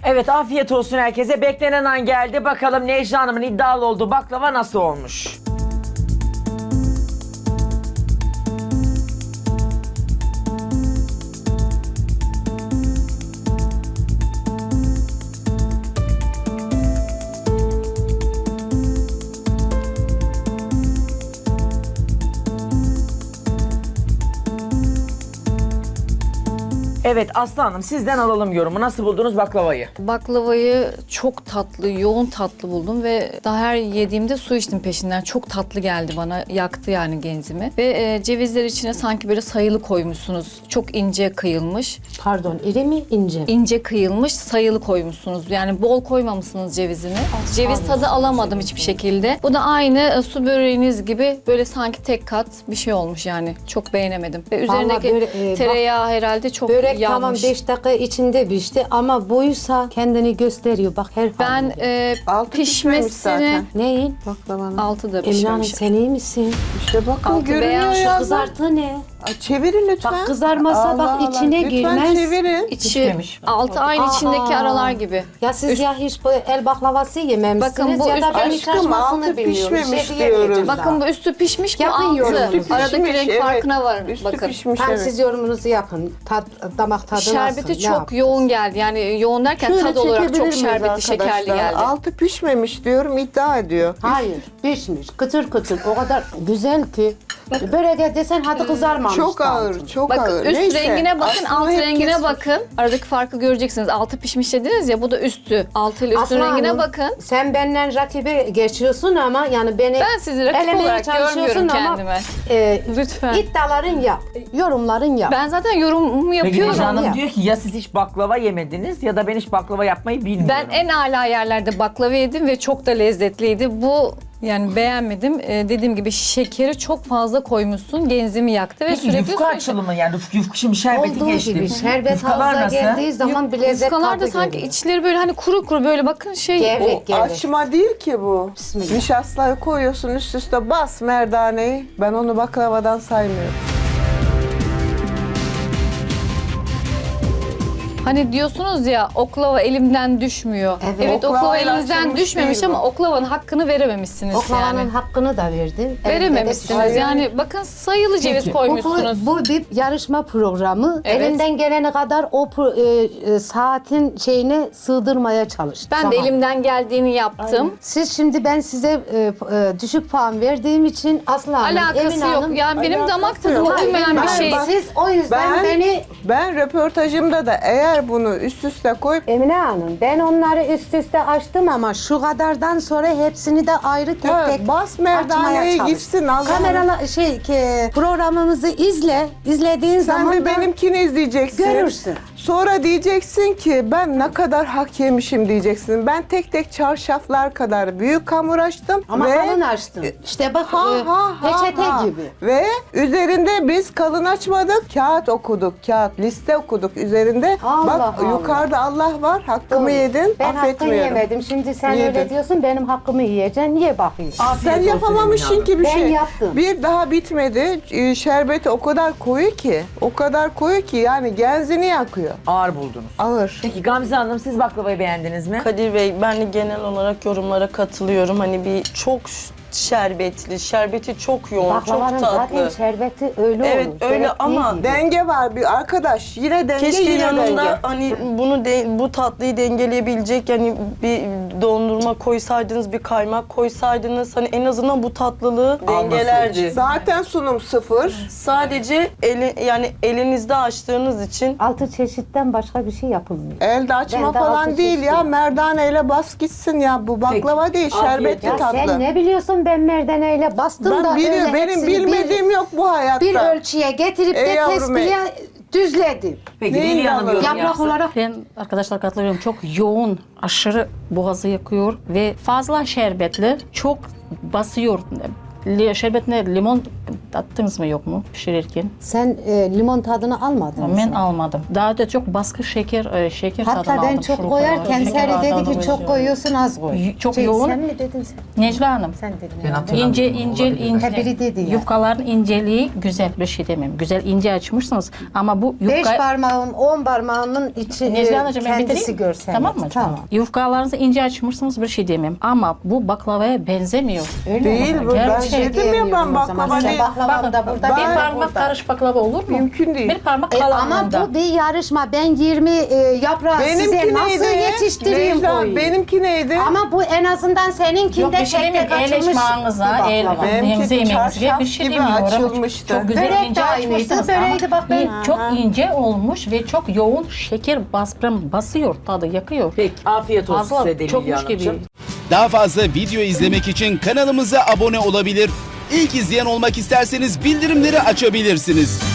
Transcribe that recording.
Evet, afiyet olsun herkese. Beklenen an geldi. Bakalım Necla Hanım'ın iddialı olduğu baklava nasıl olmuş? Evet Aslı Hanım, sizden alalım yorumu. Nasıl buldunuz baklavayı? Baklavayı çok tatlı, yoğun tatlı buldum ve daha her yediğimde su içtim peşinden. Çok tatlı geldi bana, yaktı yani genzimi. Ve cevizler içine sanki böyle sayılı koymuşsunuz. Çok ince kıyılmış. Pardon, iri mi ince? İnce kıyılmış, sayılı koymuşsunuz. Yani bol koymamışsınız cevizini. Ceviz tadı alamadım hiçbir şekilde. Bu da aynı su böreğiniz gibi böyle sanki tek kat bir şey olmuş yani. Çok beğenemedim. Ve üzerindeki böyle, tereyağı herhalde çok Börek yanmış. tamam 5 dakika içinde pişti ama boyuysa kendini gösteriyor. Bak her Ben halinde. Altı pişmemiş pişmesini... zaten. Neyin? Baklavanın. Altı da Emine Hanım pişmemiş. sen iyi misin? İşte bakın Altı görünüyor beyaz, ya. Kızartı ne? Çevirin lütfen. Bak kızarmasa bak içine lütfen girmez. çevirin. İçi Pişmemiş. altı aynı içindeki Aa. aralar gibi. Ya siz ya hiç bu el baklavası yememişsiniz Bakın bu ya da üst- ben hiç Aşkım, açmasını altı bilmiyorum. pişmemiş Şey diyemeyeceğim diyoruz. daha. Bakın bu üstü pişmiş, bu Yapın altı. yorumu. Üstü Aradaki pişmiş, renk evet. farkına varın. Üstü Bakın. pişmiş, Tam evet. siz yorumunuzu yapın. Damak tadı Şerbeti nasıl? çok yoğun geldi. Yani yoğun derken Şöyle tad olarak çekebilir çok miyiz şerbetli, şekerli arkadaşlar? geldi. Altı pişmemiş diyorum, iddia ediyor. Hayır, pişmiş. Kıtır kıtır. O kadar güzel ki. Börek desen hadi kızarmamış. Çok da ağır, altı. çok Bakın ağır. üst Neyse, rengine bakın, aslında alt hep rengine kesmiş. bakın. Aradaki farkı göreceksiniz. Altı pişmiş dediniz ya, bu da üstü. Altı ile üstün Aslı rengine Hanım, bakın. Sen benden rakibi geçiyorsun ama yani beni Ben sizi rakip elemeye olarak çalışıyorsun görmüyorum ama, kendime. Lütfen. İddiaların yap. Yorumların yap. Ben zaten yorumumu Peki yapıyorum. Necla Hanım ya. diyor ki ya siz hiç baklava yemediniz ya da ben hiç baklava yapmayı bilmiyorum. Ben en âlâ yerlerde baklava yedim ve çok da lezzetliydi. Bu yani beğenmedim. Dediğim gibi şekeri çok fazla koymuşsun. Genzimi yaktı ve Peki sürekli yufka açılımı yani yufka şimdi şerbeti Olduğu geçti. gibi şerbet Yufkalar havuza nasıl? geldiği zaman bir lezzet Yufkalar da tadı sanki geliyor. içleri böyle hani kuru kuru böyle bakın şey. Gevrek O gevrek. açma değil ki bu. Bismillah. Nişastayı koyuyorsun üst üste bas merdaneyi. Ben onu baklavadan saymıyorum. Hani diyorsunuz ya oklava elimden düşmüyor. Evet. Oklava Oklavayla elinizden açılmış düşmemiş değil bu. ama oklavanın hakkını verememişsiniz Oklavanın yani. hakkını da verdin. Verememişsiniz. Yani bakın sayılı ceviz koymuşsunuz. Bu bir yarışma programı. Evet. Elinden gelene kadar o saatin şeyine sığdırmaya çalış. Ben de elimden geldiğini yaptım. Siz şimdi ben size düşük puan verdiğim için Aslı Hanım, Alakası Emine yok. Hanım, Yani benim Alakası damak tadıma yok. uymayan bir Ben- şey. bak- siz o yüzden Ben röportajımda da eğer bunu üst üste koyup Emine Hanım ben onları üst üste açtım ama şu kadardan sonra hepsini de ayrı tek Evet, tek bas merdaneye açmaya çalış. gitsin, Allah'ım. Kameralar programımızı izle. İzlediğin sen zaman bir da benimkini izleyeceksin. görürsün. Sonra diyeceksin ki ben ne kadar hak yemişim diyeceksin. Ben tek tek çarşaflar kadar büyük hamur açtım. Ama ve kalın açtım. İşte bak peçete ha. gibi. Ve üzerinde biz kalın açmadık. Kağıt okuduk. Kağıt liste okuduk üzerinde. Allah Bak Allah. yukarıda Allah var. Hakkımı yedin. Ben hakkını affetmiyorum. yemedim. Şimdi sen Yedin. öyle diyorsun benim hakkımı yiyeceksin. Niye bakıyorsun? Afiyet Sen olsun yapamamışsın Emine ki bir Ben şey. yaptım. Bir daha bitmedi. Şerbeti o kadar koyu ki. O kadar koyu ki yani genzini yakıyor. Hanım. Ağır buldunuz. Ağır. Peki Gamze Hanım siz baklavayı beğendiniz mi? Kadir Bey, ben de genel olarak yorumlara katılıyorum. Hani bir çok şerbetli, şerbeti çok yoğun, Baklavanın çok zaten tatlı. şerbeti öyle Evet, olur. öyle Gerektiği ama gibi. Denge var bir arkadaş. Yine denge Keşke yine yanında denge. hani bu tatlıyı dengeleyebilecek yani bir dondurma koysaydınız, bir kaymak koysaydınız hani en azından bu tatlılığı dengelerdi. Zaten sunum sıfır. Sadece yani elinizde açtığınız için 6 çeşitten başka bir şey yapılmıyor. Elde açma Ben de falan altı değil ya. çeşit. Merdaneyle bas gitsin ya. Bu baklava değil, Afiyet şerbetli Ya tatlı. sen ne biliyorsun ben merdaneyle bastım da Ben biliyorum. öyle Benim hepsini bilmediğim yok bu hayatta. bir ölçüye getirip Ey de yavrum ey. tespihe düzledim. Peki Neyin Lili Hanım yalanı? yorum Yaprak yapsın. olarak Ben arkadaşlar katılıyorum. Çok yoğun, aşırı boğazı yakıyor ve fazla şerbetli, çok basıyor. Şerbetine limon tattınız mı yok mu pişirirken? Sen limon tadını almadın mı? Ben almadım. Daha da çok baskı şeker tadını Hatta aldım. ben çok Şurup koyarken olarak. Şeker Seri dedi tadını ki çok koyuyorsun az koy. Çok yoğun. Sen mi dedin sen? Necla Hanım. Sen dedin. Ben herhalde. hatırlamıyorum. İnce. Ha, biri dedi ya. Yufkaların inceliği güzel bir şey demem. Güzel ince açmışsınız ama bu 5 yufka... parmağın 10 parmağının içi Necla Hanımcığım ben kendisi bitireyim. görsen. Tamam mı? Tamam. Yufkalarınızı ince açmışsınız bir şey demem. Ama bu baklavaya benzemiyor. Öyle Değil mi? bu. Ben Gerçek dedim ya ben O zaman baklava sen değil. baklavam da burada. bir ben de parmak burada. karış baklava olur mu? Mümkün değil. Bir parmak Ama kalanında. bu bir yarışma. Ben 20 yaprağı size Benimki nasıl neydi? yetiştireyim Necla, koyayım? benimki neydi? Ama bu en azından Yok seninkinde bir şey tek tek demiyorum. El açılmış eşmağınıza, bir baklava. Benimki yemeğinize çarşaf bir şey gibi demiyorum. açılmıştı. Çok güzel Börek de ince aynıydı, açmışsınız böreği de bak ben- çok ince olmuş ve çok yoğun şeker basıyor tadı yakıyor. Peki afiyet olsun Fazla size de çokmuş Lilya gibi. Hanımcığım. Daha fazla video izlemek için kanalımıza abone olabilir. İlk izleyen olmak isterseniz bildirimleri açabilirsiniz.